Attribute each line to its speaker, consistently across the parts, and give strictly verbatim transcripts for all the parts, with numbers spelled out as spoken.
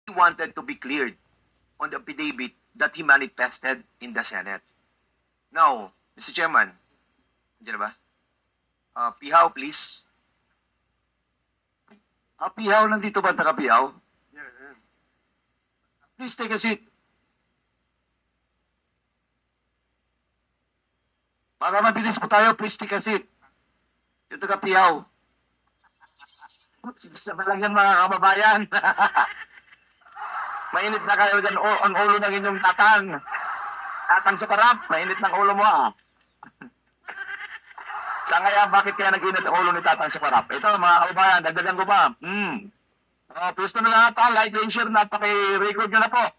Speaker 1: he wanted to be cleared on the affidavit that he manifested in the Senate. Now, Mister Chairman, nandiyan na ba? Uh, Pihaw, please.
Speaker 2: Ah, Pihaw, nandito ba naka-Pihaw? Please take a seat. Para mabilis po tayo, please take a seat. Yung taga-Pihaw. Sabi lang yan mga kababayan. Mainit na kayo dyan, o, ang ulo ng inyong tatang. Tatang sa karap, mainit ng ulo mo ah. Sa kaya, bakit kaya nag-init ang ulo ni tatang sa karap? Ito mga kababayan, dagdagan ko pa. Hmm. Oh, pwesto na lahat ha, like and share na, paki-record nyo na po.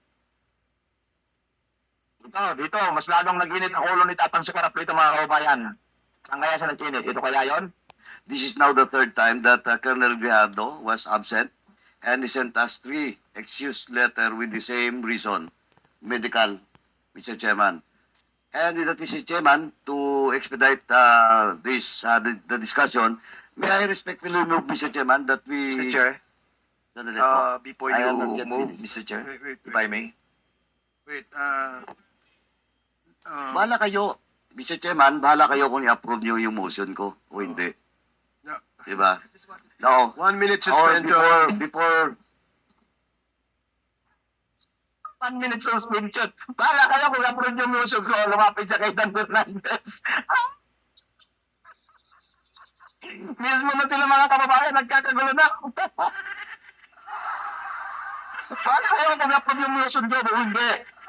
Speaker 2: Ito, dito, mas lalong nag-init ang ulo ni tatang sa karap dito mga kababayan. Saan kaya siya nag-init? Ito kaya yon? This is now the third time that uh, Colonel Grijaldo was absent and he sent us three excuse letter with the same reason, medical, Mister Chairman. And with that, Mister Chairman, to expedite uh, this uh, the, the discussion, may I respectfully move, Mister Chairman, that we...
Speaker 1: Mister Chair,
Speaker 2: Sandali po.
Speaker 1: uh, before
Speaker 2: I
Speaker 1: you
Speaker 2: am not yet
Speaker 1: move,
Speaker 2: finished.
Speaker 1: Mister Chair,
Speaker 3: Wait, wait,
Speaker 1: if
Speaker 3: wait.
Speaker 1: I may.
Speaker 3: Wait, uh, uh,
Speaker 2: Bahala kayo, Mister Chairman, bahala kayo kung i-approve niyo yung motion ko o hindi.
Speaker 3: no.
Speaker 2: Diba? No.
Speaker 1: One minute
Speaker 2: Or
Speaker 1: suspension.
Speaker 2: before, before... One minute suspension. Bahala kayo kung i-approve yung motion ko, lumapit siya kay Dan Fernandez. Mismo na sila mga kababayan, nagkakagulo na. Bahala kayo kung i-approve yung motion ko o hindi.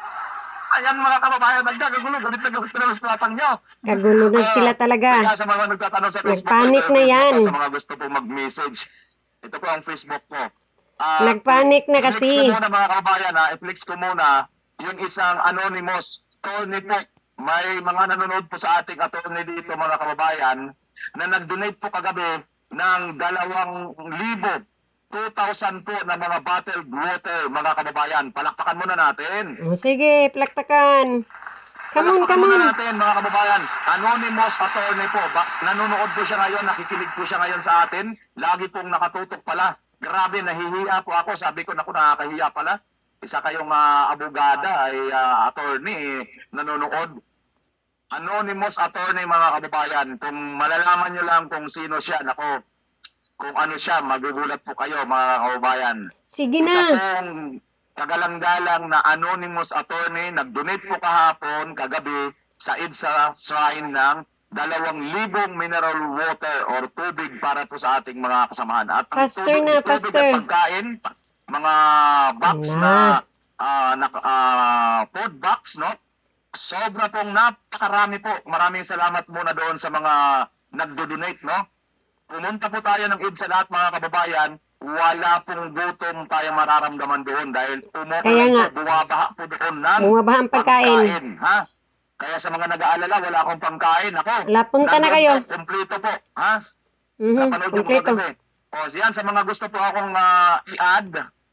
Speaker 2: Ayan mga kababayan, nagkakagulo, galit na galit na sa tatang nyo.
Speaker 4: Kagulo na sila talaga.
Speaker 2: Kaya sa mga nagtatanong sa Facebook,
Speaker 4: Nagpanik
Speaker 2: ito,
Speaker 4: na
Speaker 2: Facebook
Speaker 4: yan.
Speaker 2: ko, sa mga gusto pong mag-message. Ito po ang Facebook ko. Ah,
Speaker 4: Nagpanik na
Speaker 2: i-flex
Speaker 4: kasi.
Speaker 2: ko muna mga kababayan, ha? I-flex ko muna yung isang anonymous attorney po. May mga nanonood po sa ating attorney dito mga kababayan na nag-donate po kagabi ng dalawang libo, two thousand po na mga bottled water mga kababayan. Palakpakan muna natin.
Speaker 4: O, sige, plaktakan. Come on,
Speaker 2: Palakpakan
Speaker 4: come
Speaker 2: muna
Speaker 4: on.
Speaker 2: natin mga kababayan. Anonymous attorney po. Ba- nanonood po siya ngayon, nakikinig po siya ngayon sa atin. Lagi pong nakatutok pala. Grabe, nahihiya po ako. Sabi ko, naku, nakakahiya pala. Isa kayong uh, abogada ay uh, attorney eh, nanonood. Anonymous attorney mga kababayan. Kung malalaman nyo lang kung sino siya, nako, kung ano siya, magugulat po kayo mga kababayan.
Speaker 4: Sige
Speaker 2: Isa
Speaker 4: na.
Speaker 2: pong kagalang-galang na anonymous attorney, nag-donate po kahapon, kagabi, sa EDSA shrine ng dalawang libong mineral water or tubig para po sa ating mga kasamahan. At ang
Speaker 4: Faster
Speaker 2: tubig,
Speaker 4: na,
Speaker 2: tubig
Speaker 4: faster.
Speaker 2: at pagkain, mga box
Speaker 4: Na.
Speaker 2: na, ah, na ah, food box, no? Sobra pong napakarami po. Maraming salamat muna doon sa mga nagdo-donate, no? Pumunta po tayo ng EDSA lahat mga kababayan, wala pong gutom tayo mararamdaman doon dahil
Speaker 4: Kaya
Speaker 2: umuulan
Speaker 4: nga.
Speaker 2: po, bumabaha po doon ng
Speaker 4: Bumabaha ang pagkain.
Speaker 2: ha? Kaya sa mga nag-aalala, wala akong pangkain. Ako,
Speaker 4: Wala, punta na
Speaker 2: nandun
Speaker 4: kayo.
Speaker 2: Po, kompleto po, ha?
Speaker 4: Mhm,
Speaker 2: Napanood yung
Speaker 4: kompleto.
Speaker 2: kagabi. O, siyan, sa mga gusto po akong ah, i-add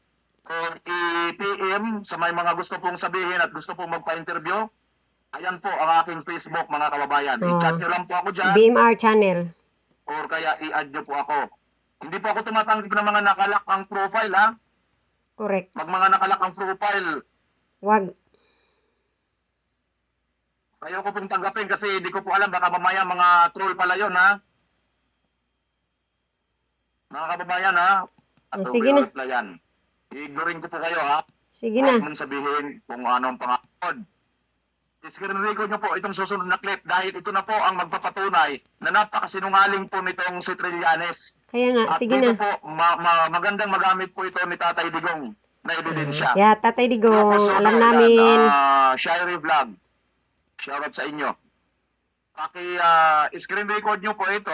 Speaker 2: or i-P M, sa may mga gusto pong sabihin at gusto pong magpa-interview, ayan po ang aking Facebook, mga kababayan.
Speaker 4: Oh.
Speaker 2: I-chat nyo lang po ako dyan
Speaker 4: B M R channel.
Speaker 2: or kaya i-add nyo po ako. Hindi po ako tumatanggap ng mga nakalak ang profile, ha?
Speaker 4: Correct.
Speaker 2: Pag mga nakalak ang profile,
Speaker 4: Wag.
Speaker 2: ayaw ko pong tanggapin kasi hindi ko po alam, baka mamaya mga troll pala yun, ha? Mga kababayan, ha? At
Speaker 4: Oh, sige na.
Speaker 2: replyan. I-ignorin ko po kayo, ha?
Speaker 4: Sige
Speaker 2: Huwag
Speaker 4: na.
Speaker 2: mong sabihin kung ano ang pangakod. Screen record nyo po itong susunod na clip dahil ito na po ang magpapatunay na napakasinungaling po nitong si Trillanes.
Speaker 4: Kaya nga,
Speaker 2: At
Speaker 4: sige
Speaker 2: dito
Speaker 4: na.
Speaker 2: po, ma- ma- magandang magamit po ito ni Tatay Digong na ebidensya.
Speaker 4: Kaya Tatay Digong,
Speaker 2: Tapos, so,
Speaker 4: alam
Speaker 2: yan,
Speaker 4: namin.
Speaker 2: ah, Shirey Vlog. Shoutout sa inyo. Paki ah, screen record nyo po ito.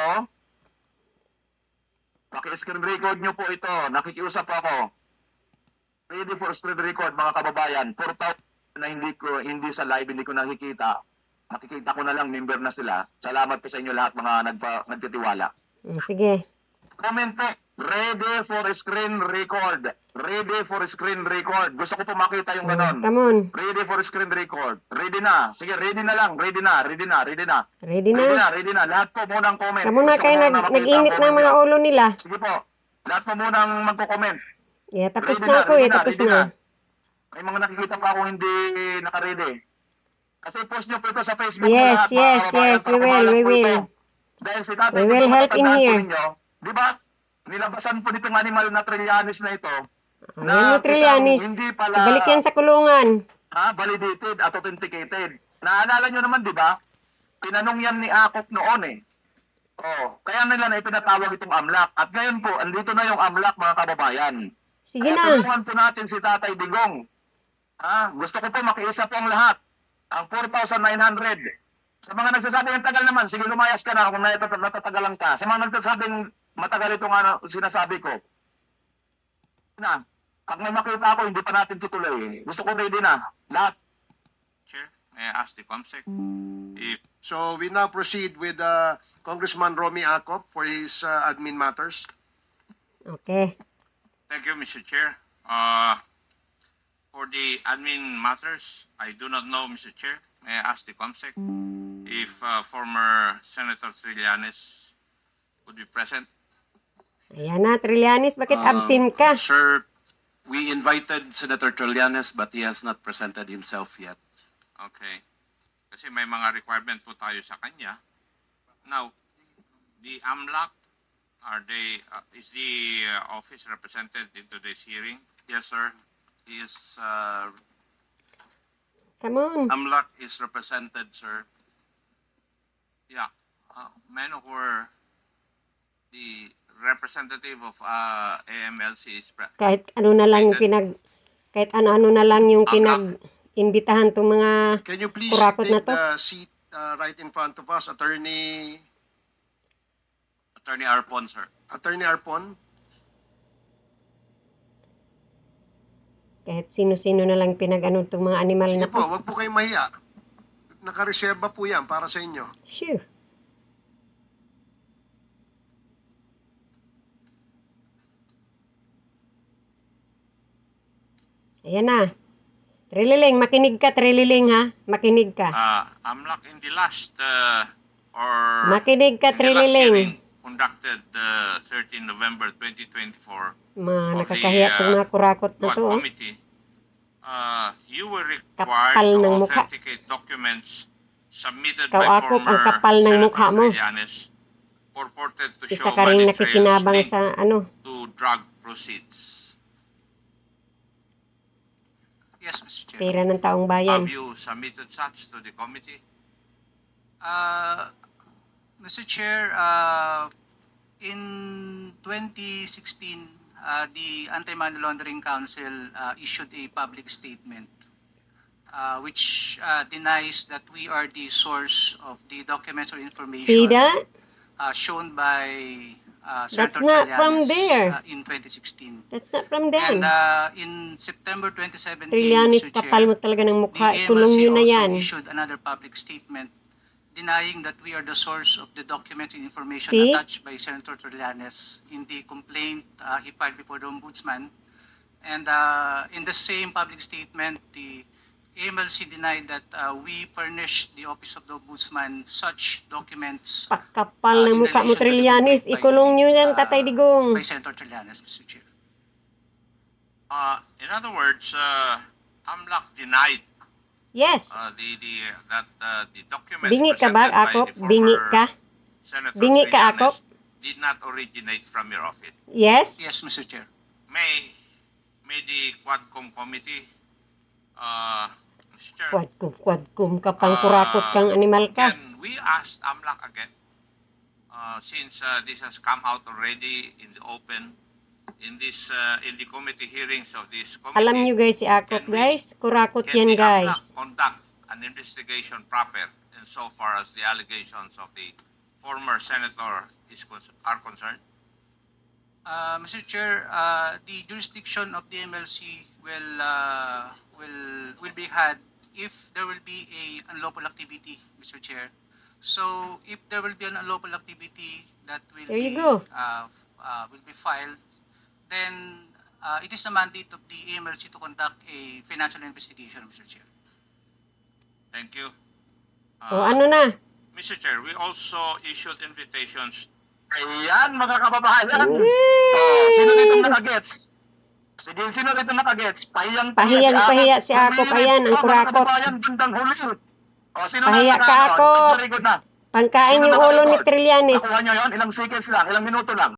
Speaker 2: Paki screen record nyo po ito. Nakikiusap ako. Ready for screen record mga kababayan. four thousand na hindi ko hindi sa live hindi ko nakikita. Nakikita ko na lang member na sila. Salamat po sa inyo lahat mga nagpa, nagtitiwala.
Speaker 4: Mm, sige.
Speaker 2: Comment po. Ready for screen record. Ready for screen record. Gusto ko po makita yung ganon.
Speaker 4: Come on.
Speaker 2: Ready for screen record. Ready na. Sige, ready na lang. Ready na, ready na, ready na.
Speaker 4: Ready
Speaker 2: Ready
Speaker 4: na.
Speaker 2: na, ready na. Lahat po munang comment.
Speaker 4: Kamu na
Speaker 2: Gusto ko
Speaker 4: kayo
Speaker 2: muna
Speaker 4: nag,
Speaker 2: makita ang
Speaker 4: nag-init ng
Speaker 2: comment
Speaker 4: mga
Speaker 2: nyo.
Speaker 4: ulo nila.
Speaker 2: Sige po. Lahat po munang magko-comment.
Speaker 4: Yeah, tapos
Speaker 2: Ready
Speaker 4: na ako
Speaker 2: ready
Speaker 4: eh, tapos
Speaker 2: ready
Speaker 4: na.
Speaker 2: May mga nakikita pa ako hindi naka-ready. Kasi post nyo po ito sa Facebook mo
Speaker 4: Yes,
Speaker 2: lahat, mga
Speaker 4: yes,
Speaker 2: kababayan,
Speaker 4: yes,
Speaker 2: para
Speaker 4: we will,
Speaker 2: kumalat
Speaker 4: we
Speaker 2: po
Speaker 4: will.
Speaker 2: ito. Dahil si Tatay
Speaker 4: We
Speaker 2: Digong,
Speaker 4: will help in
Speaker 2: matatandaan po
Speaker 4: here.
Speaker 2: ninyo, di ba? Nilabasan po nitong animal na Trillanes na ito,
Speaker 4: Ayan mo,
Speaker 2: na isang
Speaker 4: Trillanes.
Speaker 2: hindi pala
Speaker 4: Ibalik yan sa kulungan.
Speaker 2: ah, validated at authenticated. Naalala nyo naman, di ba? Tinanong yan ni Akop noon eh. Oh, kaya nila na ipinatawag itong AMLAC. At ngayon po, andito na yung AMLAC, mga kababayan.
Speaker 4: Sige
Speaker 2: Kaya
Speaker 4: na.
Speaker 2: tulungan po natin si Tatay Digong. Ah, gusto ko po makiisa po ang lahat. Ang four thousand nine hundred. Sa mga nagsasabi ng tagal naman, sige lumayas ka na kung natat- natatagalan ka. Sa mga nagsasabing matagal itong ano, sinasabi ko. Na, pag may makita ako, hindi pa natin tutuloy. Gusto ko ready na. Lahat.
Speaker 5: Chair, may I ask the COMSEC if
Speaker 3: So we now proceed with uh, Congressman Romy Acop for his uh, admin matters.
Speaker 4: Okay.
Speaker 5: thank you, Mister Chair. Uh, for the admin matters, I do not know, Mister Chair. May I ask the COMSEC if uh, former Senator Trillanes would be present?
Speaker 4: Ayan na, Trillanes, bakit
Speaker 6: Uh,
Speaker 4: absent ka?
Speaker 6: Sir, we invited Senator Trillanes but he has not presented himself yet.
Speaker 5: Okay. Kasi may mga requirement po tayo sa kanya. Now, the AMLAC, are they, uh, is the uh, office represented in today's hearing?
Speaker 6: Yes, sir. He is, uh,
Speaker 4: Come on.
Speaker 6: AMLAC is represented, sir.
Speaker 5: Yeah. Uh, may I know where the representative of uh, A M L C is pre-
Speaker 4: Kahit ano na lang yung pinag... Kahit ano-ano na lang yung pinag-imbitahan tong mga...
Speaker 3: Can you please
Speaker 4: Kurakot na
Speaker 3: take
Speaker 4: to.
Speaker 3: the seat uh, right in front of us, Attorney
Speaker 6: Attorney Arpon, sir.
Speaker 3: Attorney Arpon?
Speaker 4: Kahit sino-sino na lang pinag-ano tong mga animal
Speaker 3: Sige
Speaker 4: na
Speaker 3: po,
Speaker 4: to.
Speaker 3: wag po kayong mahiya. Nakareserba po yan para sa inyo.
Speaker 4: Shoo. Ayan na. Trililing, makinig ka, Trililing ha. Makinig ka.
Speaker 5: uh, AMLAC in the last uh, or
Speaker 4: Makinig ka,
Speaker 5: in the last
Speaker 4: Trililing.
Speaker 5: hearing conducted uh, thirteenth November twenty twenty-four
Speaker 4: Mga
Speaker 5: of
Speaker 4: nakakahiya
Speaker 5: the,
Speaker 4: tong
Speaker 5: uh,
Speaker 4: mga kurakot na
Speaker 5: Quad
Speaker 4: to. Oh.
Speaker 5: Committee, uh, you were required
Speaker 4: Kapal
Speaker 5: to
Speaker 4: ng mukha.
Speaker 5: authenticate documents submitted
Speaker 4: Ikaw,
Speaker 5: by
Speaker 4: Akop,
Speaker 5: former
Speaker 4: ang kapal ng
Speaker 5: Senator
Speaker 4: mukha mo.
Speaker 5: Trillanes purported to
Speaker 4: Isa
Speaker 5: show
Speaker 4: ka rin
Speaker 5: money
Speaker 4: nakikinabang
Speaker 5: trails linked
Speaker 4: sa ano.
Speaker 5: to drug proceeds. Yes, Mister Chair.
Speaker 4: Pera ng taong bayan.
Speaker 5: Have you submitted such to the committee?
Speaker 7: Uh, Mister Chair, uh, in twenty sixteen, uh, the Anti-Money Laundering Council uh, issued a public statement uh, which uh, denies that we are the source of the documents or information
Speaker 4: See that?
Speaker 7: uh, shown by uh,
Speaker 4: That's
Speaker 7: Senator
Speaker 4: not from
Speaker 7: Trillanes,
Speaker 4: there.
Speaker 7: uh, in twenty sixteen.
Speaker 4: That's not from them.
Speaker 7: And uh, in September twenty seventeen,
Speaker 4: Trillanes,
Speaker 7: Mister
Speaker 4: kapal
Speaker 7: Chair,
Speaker 4: mo talaga ng mukha.
Speaker 7: the
Speaker 4: Ikulong
Speaker 7: A M L C
Speaker 4: nyo na
Speaker 7: also
Speaker 4: yan.
Speaker 7: issued another public statement denying that we are the source of the documents and information
Speaker 4: See?
Speaker 7: attached by Senator Trillanes in the complaint uh, he filed before the Ombudsman. And uh, in the same public statement, the A M L C denied that uh, we furnished the Office of the Ombudsman such documents
Speaker 4: Pakapal
Speaker 7: uh,
Speaker 4: ng
Speaker 7: in
Speaker 4: mukha mo,
Speaker 7: relation to the
Speaker 4: Trillanes.
Speaker 7: complaint by,
Speaker 4: Ikulong nyo yan,
Speaker 7: uh,
Speaker 4: Tatay Digong.
Speaker 7: by Senator Trillanes, Mister Chair.
Speaker 5: Uh, in other words, uh, AMLAC denied
Speaker 4: Yes.
Speaker 5: uh, the, the, that uh, the documents
Speaker 4: Bingi ka ba,
Speaker 5: presented by
Speaker 4: Akop?
Speaker 5: the
Speaker 4: Bingi
Speaker 5: former
Speaker 4: ka?
Speaker 5: Senator
Speaker 4: Bingi ka,
Speaker 5: Trillanes
Speaker 4: Akop?
Speaker 5: did not originate from your office.
Speaker 4: Yes?
Speaker 7: Yes, Mister Chair.
Speaker 5: May, may the Quadcom committee, uh, Mister Chair,
Speaker 4: Quadkum, quadkum ka pang kurakot kang animal ka.
Speaker 5: can we ask AMLAC again? Uh, since uh, this has come out already in the open, in this uh, in the committee hearings of this committee.
Speaker 4: Alam nyo guys, si Akop
Speaker 5: Can we-
Speaker 4: guys. Kurakot
Speaker 5: Can
Speaker 4: yan
Speaker 5: the AMLAC
Speaker 4: guys.
Speaker 5: conduct an investigation proper insofar as the allegations of the former senator is con- are concerned?
Speaker 7: Uh, Mister Chair, uh, the jurisdiction of the M L C will uh, will will be had if there will be a unlawful activity, Mister Chair. So if there will be an unlawful activity that will
Speaker 4: There you
Speaker 7: be
Speaker 4: go.
Speaker 7: Uh, uh, will be filed, then uh, it is the mandate of the A M L C to conduct a financial investigation, Mister Chair.
Speaker 5: Thank you.
Speaker 4: O ano na?
Speaker 5: Mister Chair, we also issued invitations.
Speaker 2: Ayan, mga kababayan. Oh, sino ditong nakagets? Sige, sino rito nakagets? Pahiyang
Speaker 4: Pahiyang pahiya si Akop, ayan, ang kurakot.
Speaker 2: Bandang huli. O, sino
Speaker 4: Pahiya
Speaker 2: na
Speaker 4: ka,
Speaker 2: nakano?
Speaker 4: Akop.
Speaker 2: Very good na.
Speaker 4: Pangkain
Speaker 2: Sino
Speaker 4: yung ulo ni
Speaker 2: naka-record?
Speaker 4: Trillanes.
Speaker 2: Nakuha nyo yun? Ilang seconds lang, ilang minuto lang.